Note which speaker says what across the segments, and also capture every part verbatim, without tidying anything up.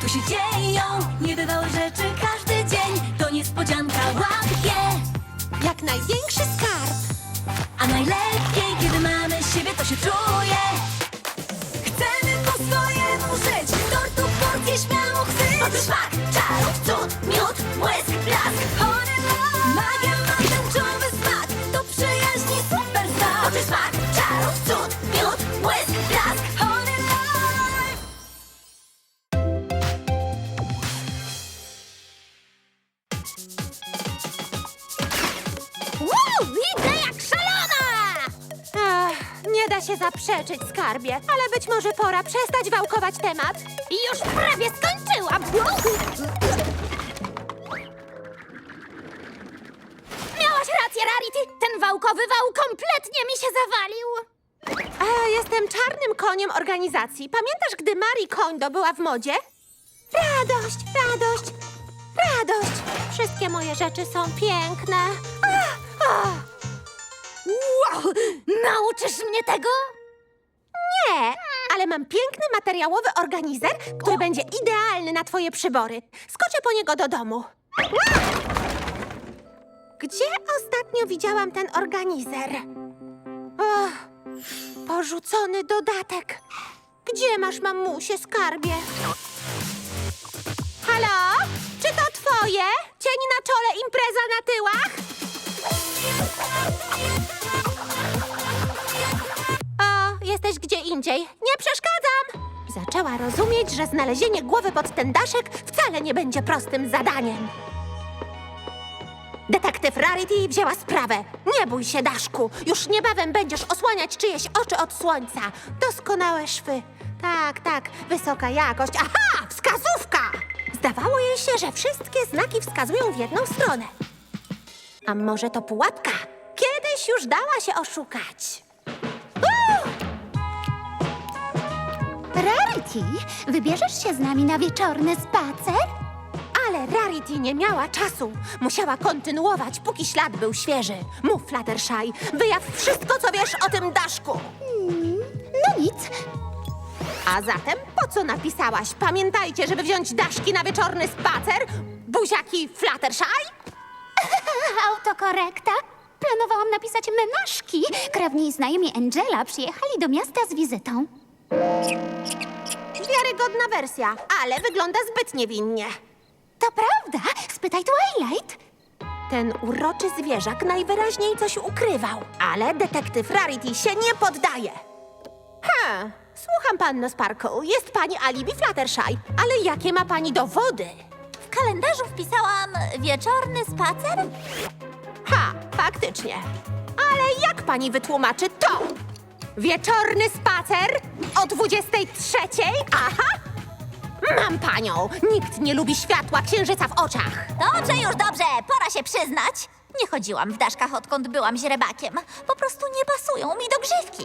Speaker 1: tu się dzieją niebywałe rzeczy każdy dzień. To niespodzianka, łap je!
Speaker 2: Jak największy skarb.
Speaker 1: A najlepiej, kiedy mamy siebie, to się czuje. Chcemy po swojemu żyć, tortu porcję śmiało chwyć. Otóż smak, czarów, cud, miód, błysk, blask. Honey love, magia ma tęczowy smak. To przyjaźni super znak. Otóż smak, czarów, cud, miód, błysk, blask. Honey love.
Speaker 3: Wow, widzę jak szalona!
Speaker 2: Ach, nie da się zaprzeczyć, skarbie, ale być może pora przestać wałkować temat.
Speaker 3: I już prawie skończyłam! Miałaś rację, Rarity! Ten wałkowy wał kompletnie mi się zawalił!
Speaker 2: A, jestem czarnym koniem organizacji. Pamiętasz, gdy Marie Kondo była w modzie? Radość, radość, radość. Wszystkie moje rzeczy są piękne. Ach, ach.
Speaker 3: Wow! Nauczysz mnie tego?
Speaker 2: Nie, ale mam piękny materiałowy organizer, który będzie idealny na twoje przybory. Skoczę po niego do domu. Gdzie ostatnio widziałam ten organizer? Och, porzucony dodatek. Gdzie masz, mamusie, skarbie? Halo? Czy to twoje? Cień na czole, impreza na tyłach? O, jesteś gdzie indziej. Nie przeszkadzam! Zaczęła rozumieć, że znalezienie głowy pod ten daszek wcale nie będzie prostym zadaniem. Detektyw Rarity wzięła sprawę. Nie bój się, Daszku. Już niebawem będziesz osłaniać czyjeś oczy od słońca. Doskonałe szwy. Tak, tak, wysoka jakość. Aha, wskazówka! Zdawało jej się, że wszystkie znaki wskazują w jedną stronę. A może to pułapka? Kiedyś już dała się oszukać.
Speaker 3: Rarity, wybierzesz się z nami na wieczorny spacer?
Speaker 2: Ale Rarity nie miała czasu. Musiała kontynuować, póki ślad był świeży. Mów, Fluttershy, wyjaw wszystko, co wiesz o tym Daszku.
Speaker 3: No nic.
Speaker 2: A zatem po co napisałaś? Pamiętajcie, żeby wziąć Daszki na wieczorny spacer? Buziaki Fluttershy?
Speaker 3: Autokorekta. Planowałam napisać menażki. Krewni i znajomi Angela przyjechali do miasta z wizytą.
Speaker 2: Wiarygodna wersja, ale wygląda zbyt niewinnie.
Speaker 3: To prawda? Spytaj Twilight.
Speaker 2: Ten uroczy zwierzak najwyraźniej coś ukrywał, ale detektyw Rarity się nie poddaje. Ha, słucham, panno Sparkle. Jest pani alibi Fluttershy, ale jakie ma pani dowody?
Speaker 3: W kalendarzu wpisałam wieczorny spacer.
Speaker 2: Ha, faktycznie. Ale jak pani wytłumaczy to? Wieczorny spacer o dwudziestej trzeciej? Aha! Mam panią! Nikt nie lubi światła księżyca w oczach.
Speaker 3: Dobrze, już dobrze. Pora się przyznać. Nie chodziłam w daszkach, odkąd byłam źrebakiem. Po prostu nie pasują mi do grzywki.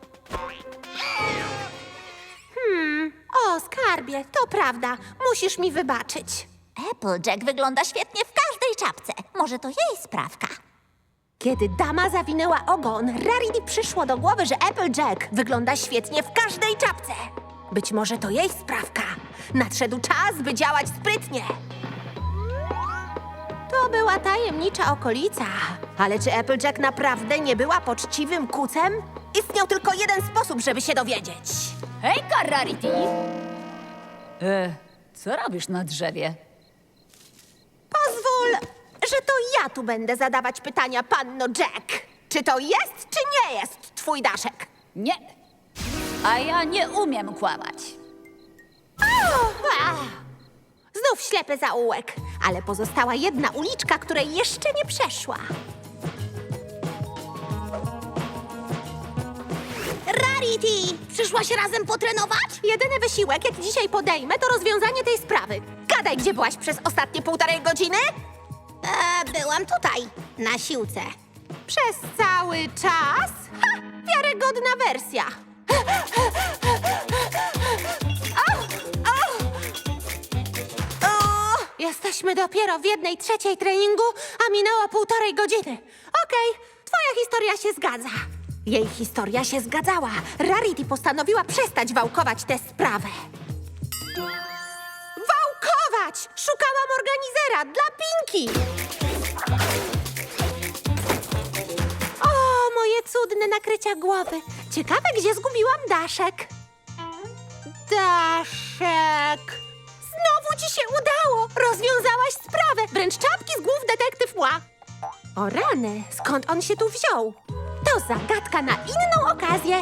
Speaker 2: Hmm, o, skarbie, to prawda. Musisz mi wybaczyć.
Speaker 3: Applejack wygląda świetnie w każdej czapce. Może to jej sprawka.
Speaker 2: Kiedy dama zawinęła ogon, Rarity przyszło do głowy, że Applejack wygląda świetnie w każdej czapce. Być może to jej sprawka. Nadszedł czas, by działać sprytnie. To była tajemnicza okolica. Ale czy Applejack naprawdę nie była poczciwym kucem? Istniał tylko jeden sposób, żeby się dowiedzieć.
Speaker 4: Hejka, Rarity! E, co robisz na drzewie?
Speaker 2: Pozwól, że to ja tu będę zadawać pytania, panno Jack. Czy to jest, czy nie jest twój daszek?
Speaker 4: Nie. A ja nie umiem kłamać.
Speaker 2: Ach, znów ślepy zaułek, ale pozostała jedna uliczka, której jeszcze nie przeszła. Rarity! Przyszłaś razem potrenować? Jedyny wysiłek, jaki dzisiaj podejmę, to rozwiązanie tej sprawy. Gadaj, gdzie byłaś przez ostatnie półtorej godziny? E, byłam tutaj, na siłce. Przez cały czas? Ha! Wiarygodna wersja. O, jesteśmy dopiero w jednej trzeciej treningu, a minęło półtorej godziny. Okej, twoja historia się zgadza. Jej historia się zgadzała. Rarity postanowiła przestać wałkować tę sprawę. zobacz! Szukałam organizera dla Pinki! O, moje cudne nakrycia głowy. Ciekawe, gdzie zgubiłam Daszek. Daszek... Znowu ci się udało! Rozwiązałaś sprawę! Wręcz czapki z głów detektyw Ła. O rany, skąd on się tu wziął? To zagadka na inną okazję.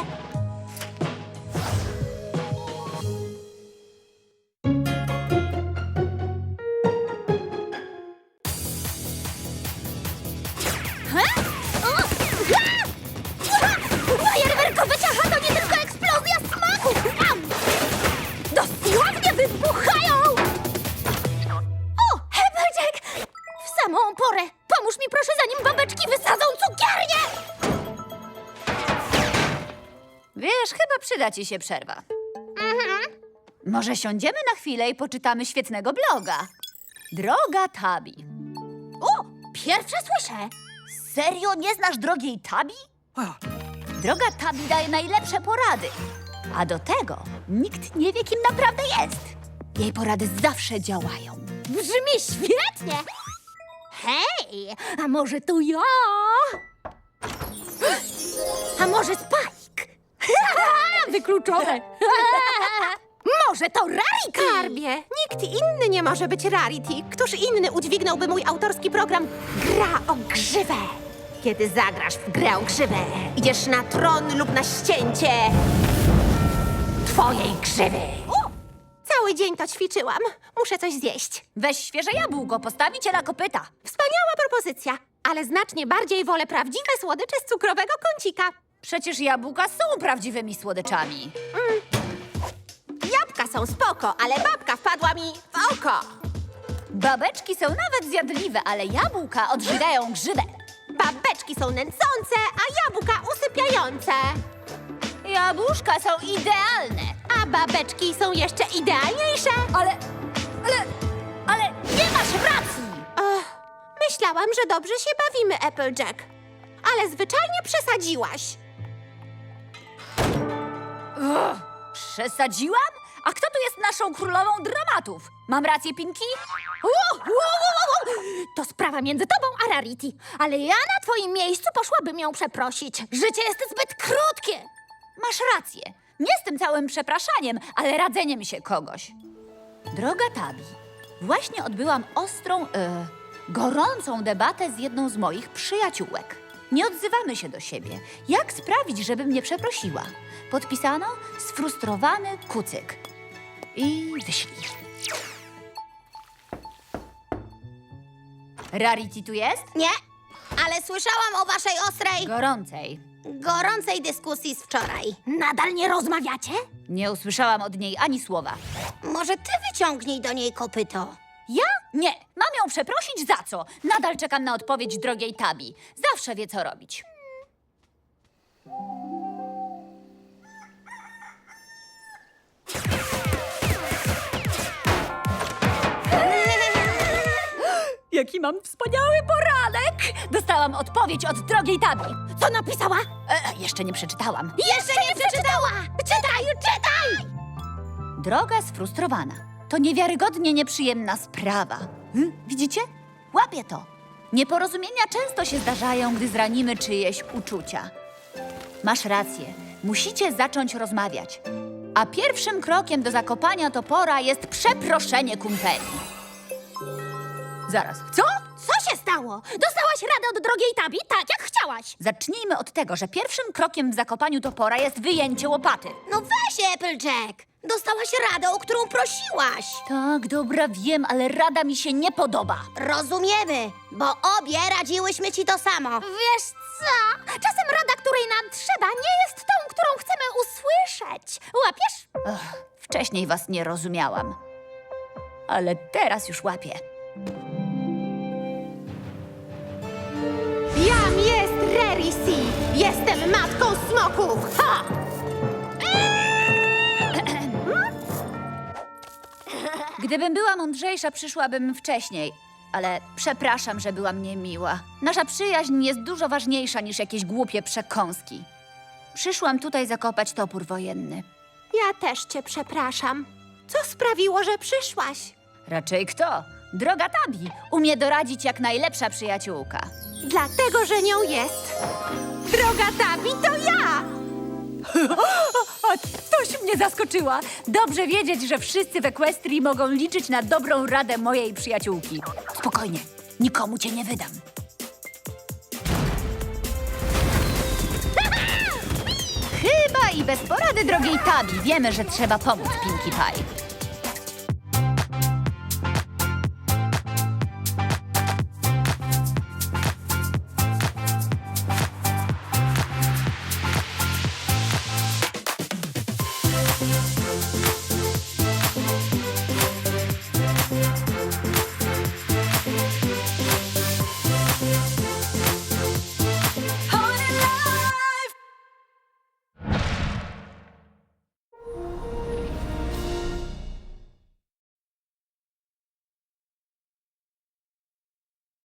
Speaker 3: Fajerwerkowe ciacha to nie tylko eksplozja smaku! Am! Dosłownie wybuchają! O, Applejack! W samą porę! Pomóż mi proszę, zanim babeczki wysadzą cukiernię!
Speaker 4: Wiesz, chyba przyda ci się przerwa. Może siądziemy na chwilę i poczytamy świetnego bloga. Droga Tabi.
Speaker 3: O, pierwsze słyszę! Serio nie znasz drogiej Tabi?
Speaker 4: Droga Tabi daje najlepsze porady. A do tego nikt nie wie, kim naprawdę jest. Jej porady zawsze działają.
Speaker 3: Brzmi świetnie! Hej, a może to ja? A może Spike? Wykluczone! Może to Rarity?
Speaker 2: Skarbie, nikt inny nie może być Rarity. Któż inny udźwignąłby mój autorski program Gra o grzywę? Kiedy zagrasz w grę o grzywę, idziesz na tron lub na ścięcie twojej grzywy.
Speaker 3: O!
Speaker 2: Cały dzień to ćwiczyłam. Muszę coś zjeść.
Speaker 4: Weź świeże jabłko, postawi cię na kopyta.
Speaker 2: Wspaniała propozycja, ale znacznie bardziej wolę prawdziwe słodycze z cukrowego kącika.
Speaker 4: Przecież jabłka są prawdziwymi słodyczami.
Speaker 2: Jabłka są spoko, ale babka wpadła mi w oko.
Speaker 4: Babeczki są nawet zjadliwe, ale jabłka odżywiają grzybę.
Speaker 2: Babeczki są nęcące, a jabłka usypiające.
Speaker 4: Jabłuszka są idealne.
Speaker 2: A babeczki są jeszcze idealniejsze.
Speaker 4: Ale, ale, ale nie masz racji!
Speaker 2: Och, myślałam, że dobrze się bawimy, Applejack. Ale zwyczajnie przesadziłaś.
Speaker 4: Ugh, przesadziłam? A kto tu jest naszą królową dramatów? Mam rację, Pinki?
Speaker 3: Wow, wow, wow, wow. To sprawa między tobą a Rarity. Ale ja na twoim miejscu poszłabym ją przeprosić. Życie jest zbyt krótkie.
Speaker 4: Masz rację. Nie z tym całym przepraszaniem, ale radzeniem się kogoś. Droga Tabi, właśnie odbyłam ostrą, e, gorącą debatę z jedną z moich przyjaciółek. Nie odzywamy się do siebie. Jak sprawić, żeby mnie przeprosiła? Podpisano sfrustrowany kucyk. I wyślij. Rarity tu jest?
Speaker 5: Nie, ale słyszałam o waszej ostrej,
Speaker 4: Gorącej.
Speaker 5: gorącej dyskusji z wczoraj.
Speaker 3: Nadal nie rozmawiacie?
Speaker 4: Nie usłyszałam od niej ani słowa.
Speaker 5: Może ty wyciągnij do niej kopyto.
Speaker 4: Ja? Nie. Mam ją przeprosić za co? Nadal czekam na odpowiedź drogiej Tabi. Zawsze wie, co robić. Jaki mam wspaniały poranek! Dostałam odpowiedź od drogiej Tabi.
Speaker 3: Co napisała?
Speaker 4: E, jeszcze nie przeczytałam.
Speaker 5: Jeszcze nie przeczytała! Czytaj, czytaj!
Speaker 4: Droga sfrustrowana. To niewiarygodnie nieprzyjemna sprawa. Hm? Widzicie? Łapię to. Nieporozumienia często się zdarzają, gdy zranimy czyjeś uczucia. Masz rację. Musicie zacząć rozmawiać. A pierwszym krokiem do zakopania topora jest przeproszenie kumpeli. Zaraz. Co?
Speaker 3: Co się stało? Dostałaś radę od drogiej Tabi, tak jak chciałaś.
Speaker 4: Zacznijmy od tego, że pierwszym krokiem w zakopaniu topora jest wyjęcie łopaty.
Speaker 5: No weź, Applejack! Dostałaś radę, o którą prosiłaś.
Speaker 4: Tak, dobra, wiem, ale rada mi się nie podoba.
Speaker 5: Rozumiemy, bo obie radziłyśmy ci to samo.
Speaker 3: Wiesz co? Czasem rada, której nam trzeba, nie jest tą, którą chcemy usłyszeć. Łapiesz?
Speaker 4: Ach, wcześniej was nie rozumiałam. Ale teraz już łapię.
Speaker 2: Jam jest Rarity. Jestem matką smoków. Ha!
Speaker 4: Gdybym była mądrzejsza, przyszłabym wcześniej. Ale przepraszam, że byłam niemiła. Nasza przyjaźń jest dużo ważniejsza niż jakieś głupie przekąski. Przyszłam tutaj zakopać topór wojenny.
Speaker 2: Ja też cię przepraszam. Co sprawiło, że przyszłaś?
Speaker 4: Raczej kto? Droga Tabi umie doradzić jak najlepsza przyjaciółka.
Speaker 2: Dlatego, że nią jest. Droga Tabi, to ja!
Speaker 4: O, toś mnie zaskoczyła. Dobrze wiedzieć, że wszyscy w Equestrii mogą liczyć na dobrą radę mojej przyjaciółki. Spokojnie, nikomu cię nie wydam. Chyba i bez porady drogiej Tabi wiemy, że trzeba pomóc Pinkie Pie.